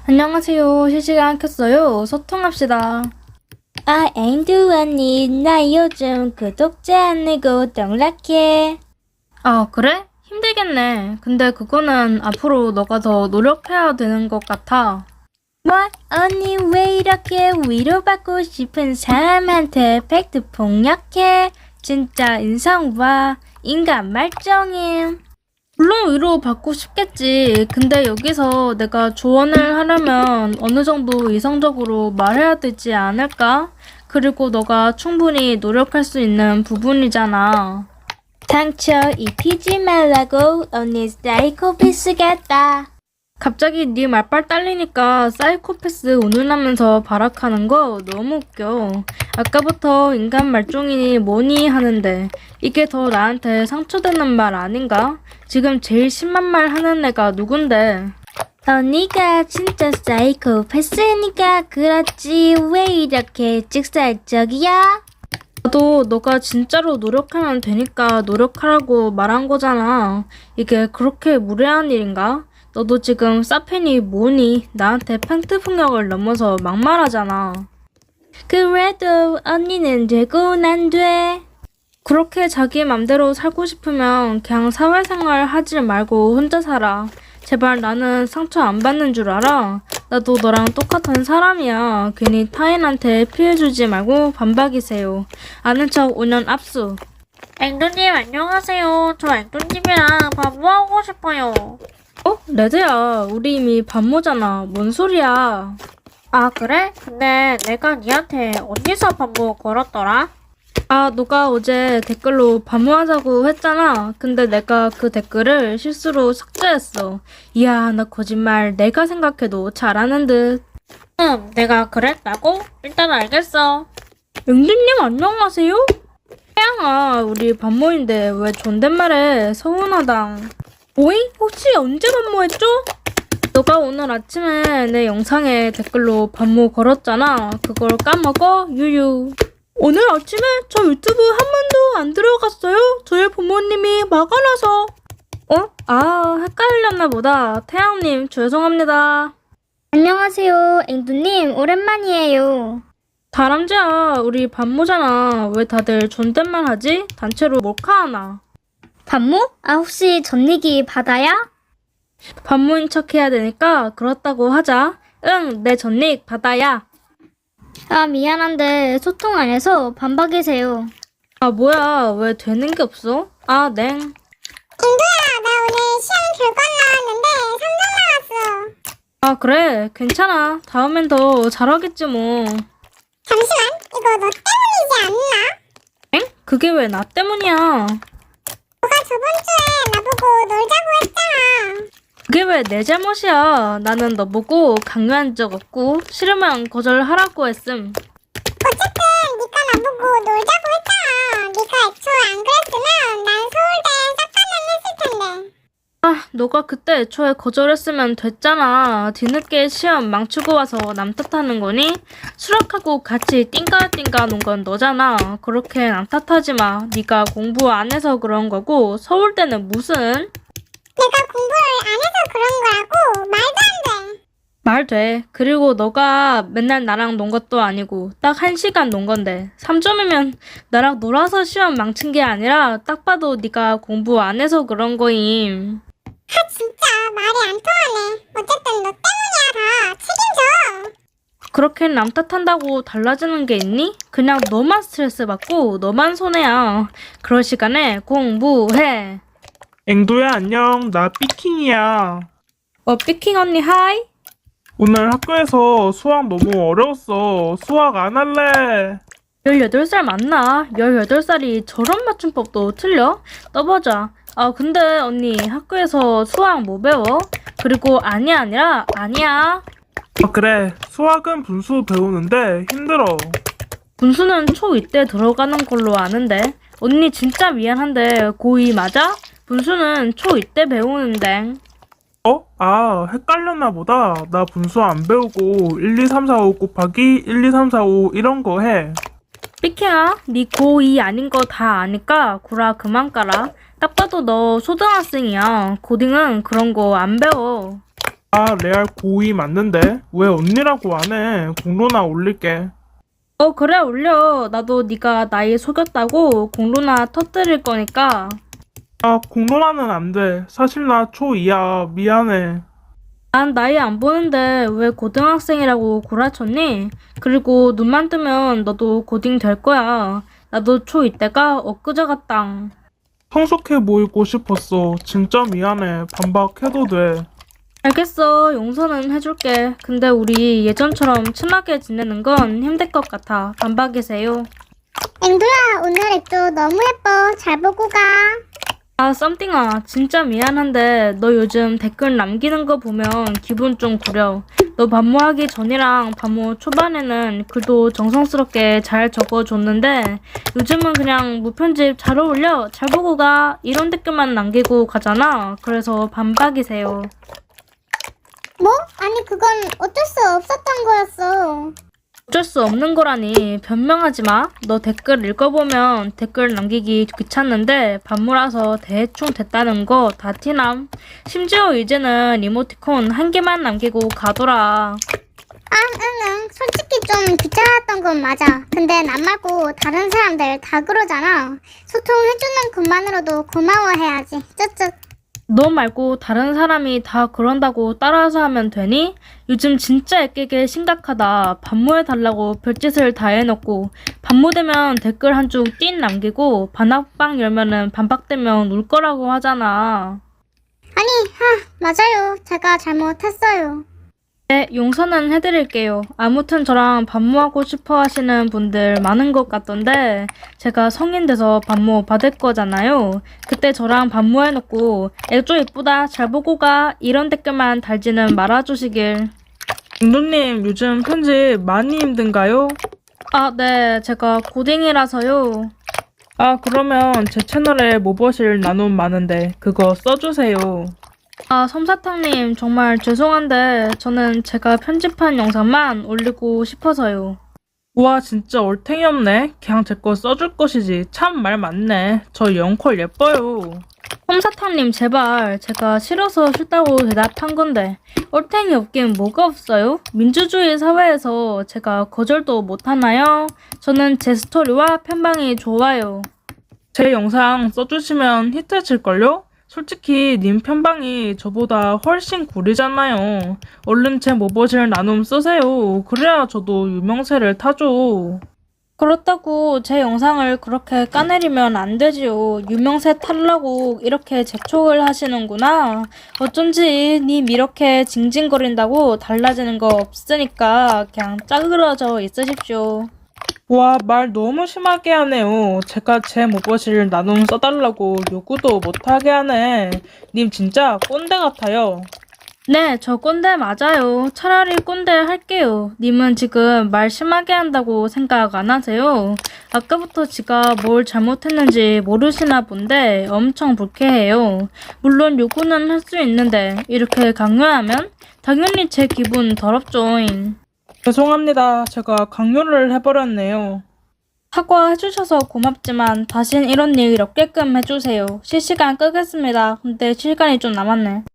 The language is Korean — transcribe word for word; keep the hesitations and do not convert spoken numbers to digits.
안녕하세요. 실시간 켰어요. 소통합시다. 아, 앵두 언니, 나 요즘 구독자 안 늘고 떡락해. 아, 그래? 힘들겠네. 근데 그거는 앞으로 너가 더 노력해야 되는 것 같아. 뭐, 언니 왜 이렇게 위로받고 싶은 사람한테 팩트 폭력해? 진짜 인성 봐. 인간 말종임. 물론 위로 받고 싶겠지. 근데 여기서 내가 조언을 하려면 어느 정도 이성적으로 말해야 되지 않을까? 그리고 너가 충분히 노력할 수 있는 부분이잖아. 상처 입히지 말라고 언니 사이코패스 같다. 갑자기 네 말빨 딸리니까 사이코패스 운운하면서 발악하는 거 너무 웃겨. 아까부터 인간 말종이니 뭐니 하는데 이게 더 나한테 상처되는 말 아닌가? 지금 제일 심한 말 하는 애가 누군데? 언니가 진짜 사이코패스니까 그렇지. 왜 이렇게 직설적이야? 나도 너가 진짜로 노력하면 되니까 노력하라고 말한 거잖아. 이게 그렇게 무례한 일인가? 너도 지금 사펜이 뭐니? 나한테 팽트 폭력을 넘어서 막말하잖아. 그래도 언니는 되고 난 돼. 그렇게 자기 맘대로 살고 싶으면 그냥 사회생활 하지 말고 혼자 살아. 제발 나는 상처 안 받는 줄 알아? 나도 너랑 똑같은 사람이야. 괜히 타인한테 피해주지 말고 반박이세요. 아는 척 오 년 압수. 앵두님 안녕하세요. 저 앵두님이랑 반모하고 싶어요. 어? 레드야, 우리 이미 반모잖아. 뭔 소리야? 아 그래? 근데 내가 니한테 어디서 반모 걸었더라? 아, 너가 어제 댓글로 반모하자고 했잖아. 근데 내가 그 댓글을 실수로 삭제했어. 이야, 나 거짓말 내가 생각해도 잘하는 듯. 응, 내가 그랬다고? 일단 알겠어. 영준님 안녕하세요? 태양아, 우리 반모인데 왜 존댓말해? 서운하다. 오잉? 혹시 언제 반모했죠? 너가 오늘 아침에 내 영상에 댓글로 반모 걸었잖아. 그걸 까먹어? 유유. 오늘 아침에 저 유튜브 한 번도 안 들어갔어요. 저희 부모님이 막아놔서. 어? 아, 헷갈렸나 보다. 태양님, 죄송합니다. 안녕하세요, 앵두님. 오랜만이에요. 다람쥐야, 우리 반모잖아. 왜 다들 존댓말 하지? 단체로 몰카하나? 반모? 아, 혹시 전리기 바다야? 반모인 척 해야 되니까 그렇다고 하자. 응, 내 전릭 바다야. 아, 미안한데 소통 안 해서 반박이세요. 아, 뭐야. 왜 되는 게 없어? 아, 냉. 앵두야, 나 오늘 시험 결과 나왔는데 삼 점 나왔어. 아, 그래. 괜찮아. 다음엔 더 잘하겠지 뭐. 잠시만, 이거 너 때문이지 않나? 엥? 그게 왜 나 때문이야? 너가 저번 주에 나보고 놀자고 했잖아. 그게 왜 내 잘못이야? 나는 너 보고 강요한 적 없고 싫으면 거절하라고 했음. 어쨌든 네가 나보고 놀자고 했잖아. 네가 애초에 안 그랬으면 난 서울대 싹 가면 했을 텐데. 아, 너가 그때 애초에 거절했으면 됐잖아. 뒤늦게 시험 망치고 와서 남 탓하는 거니? 수락하고 같이 띵까띵까 논 건 너잖아. 그렇게 남 탓하지 마. 네가 공부 안 해서 그런 거고 서울대는 무슨? 내가 공부를 안 해서 그런 거라고? 말도 안 돼. 말 돼. 그리고 너가 맨날 나랑 논 것도 아니고 딱 한 시간 논 건데 삼 점이면 나랑 놀아서 시험 망친 게 아니라 딱 봐도 네가 공부 안 해서 그런 거임. 아 진짜 말이 안 통하네. 어쨌든 너 때문이야 다. 책임져. 그렇게 남 탓한다고 달라지는 게 있니? 그냥 너만 스트레스 받고 너만 손해야. 그럴 시간에 공부해. 앵도야 안녕. 나 삐킹이야. 어, 삐킹 언니 하이? 오늘 학교에서 수학 너무 어려웠어. 수학 안 할래. 열여덟 살 맞나? 열여덟 살이 저런 맞춤법도 틀려? 떠보자. 아, 근데 언니 학교에서 수학 뭐 배워? 그리고 아니야 아니라 아니야. 아 그래. 수학은 분수 배우는데 힘들어. 분수는 초이 때 들어가는 걸로 아는데. 언니 진짜 미안한데 고이 맞아? 분수는 초이 때 배우는데. 어? 아 헷갈렸나 보다. 나 분수 안 배우고 일, 이, 삼, 사, 오 곱하기 일, 이, 삼, 사, 오 이런 거 해. 삐킹아, 니 고이 아닌 거 다 아니까 구라 그만 까라. 딱 봐도 너 초등학생이야. 고딩은 그런 거 안 배워. 아, 레알 고이 맞는데? 왜 언니라고 안 해? 공로나 올릴게. 어, 그래, 올려. 나도 네가 나이 속였다고 공로나 터뜨릴 거니까. 아, 공로나는 안 돼. 사실 나 초이야. 미안해. 난 나이 안 보는데 왜 고등학생이라고 구라쳤니? 그리고 눈만 뜨면 너도 고딩 될 거야. 나도 초이 때가 엊그제 같당. 성숙해 보이고 싶었어. 진짜 미안해. 반박해도 돼. 알겠어. 용서는 해줄게. 근데 우리 예전처럼 친하게 지내는 건 힘들 것 같아. 반박이세요. 앵두야, 오늘 앱도 너무 예뻐. 잘 보고 가. 아, 썸띵아. 진짜 미안한데 너 요즘 댓글 남기는 거 보면 기분 좀 구려. 너 반모하기 전이랑 반모 초반에는 글도 정성스럽게 잘 적어줬는데 요즘은 그냥 무편집 잘 어울려. 잘 보고 가. 이런 댓글만 남기고 가잖아. 그래서 반박이세요. 뭐? 아니, 그건 어쩔 수 없었던 거였어. 어쩔 수 없는 거라니 변명하지 마. 너 댓글 읽어보면 댓글 남기기 귀찮는데 반모라서 대충 됐다는 거 다 티남. 심지어 이제는 이모티콘 한 개만 남기고 가더라. 아, 응, 응. 솔직히 좀 귀찮았던 건 맞아. 근데 남 말고 다른 사람들 다 그러잖아. 소통해주는 것만으로도 고마워해야지. 쯧쯧. 너 말고 다른 사람이 다 그런다고 따라서 하면 되니? 요즘 진짜 애끼게 심각하다. 반모해달라고 별짓을 다 해놓고 반모되면 댓글 한 줄 띵 남기고 반박방 열면은 반박되면 울 거라고 하잖아. 아니, 하, 맞아요. 제가 잘못했어요. 네, 용서는 해드릴게요. 아무튼 저랑 반모하고 싶어 하시는 분들 많은 것 같던데 제가 성인 돼서 반모 받을 거잖아요. 그때 저랑 반모해놓고 애조 예쁘다 잘 보고 가 이런 댓글만 달지는 말아주시길. 앵두님, 요즘 편집 많이 힘든가요? 아, 네. 제가 고딩이라서요. 아, 그러면 제 채널에 모버실 나눔 많은데 그거 써주세요. 아, 솜사탕님 정말 죄송한데 저는 제가 편집한 영상만 올리고 싶어서요. 우와, 진짜 얼탱이 없네. 그냥 제 거 써줄 것이지. 참 말 많네. 저 영콜 예뻐요. 솜사탕님 제발 제가 싫어서 싫다고 대답한 건데 얼탱이 없긴 뭐가 없어요? 민주주의 사회에서 제가 거절도 못하나요? 저는 제 스토리와 편방이 좋아요. 제 영상 써주시면 히트칠걸요? 솔직히 님 편방이 저보다 훨씬 구리잖아요. 얼른 제 모버실 나눔 쓰세요. 그래야 저도 유명세를 타죠. 그렇다고 제 영상을 그렇게 까내리면 안 되지요. 유명세 타려고 이렇게 재촉을 하시는구나. 어쩐지 님 이렇게 징징거린다고 달라지는 거 없으니까 그냥 짜그러져 있으십시오. 와, 말 너무 심하게 하네요. 제가 제 모버실 나눔 써달라고 요구도 못하게 하네. 님 진짜 꼰대 같아요. 네, 저 꼰대 맞아요. 차라리 꼰대 할게요. 님은 지금 말 심하게 한다고 생각 안 하세요? 아까부터 제가 뭘 잘못했는지 모르시나 본데 엄청 불쾌해요. 물론 요구는 할 수 있는데 이렇게 강요하면 당연히 제 기분 더럽죠잉. 죄송합니다. 제가 강요를 해버렸네요. 사과해주셔서 고맙지만 다신 이런 일 없게끔 해주세요. 실시간 끄겠습니다. 근데 시간이 좀 남았네.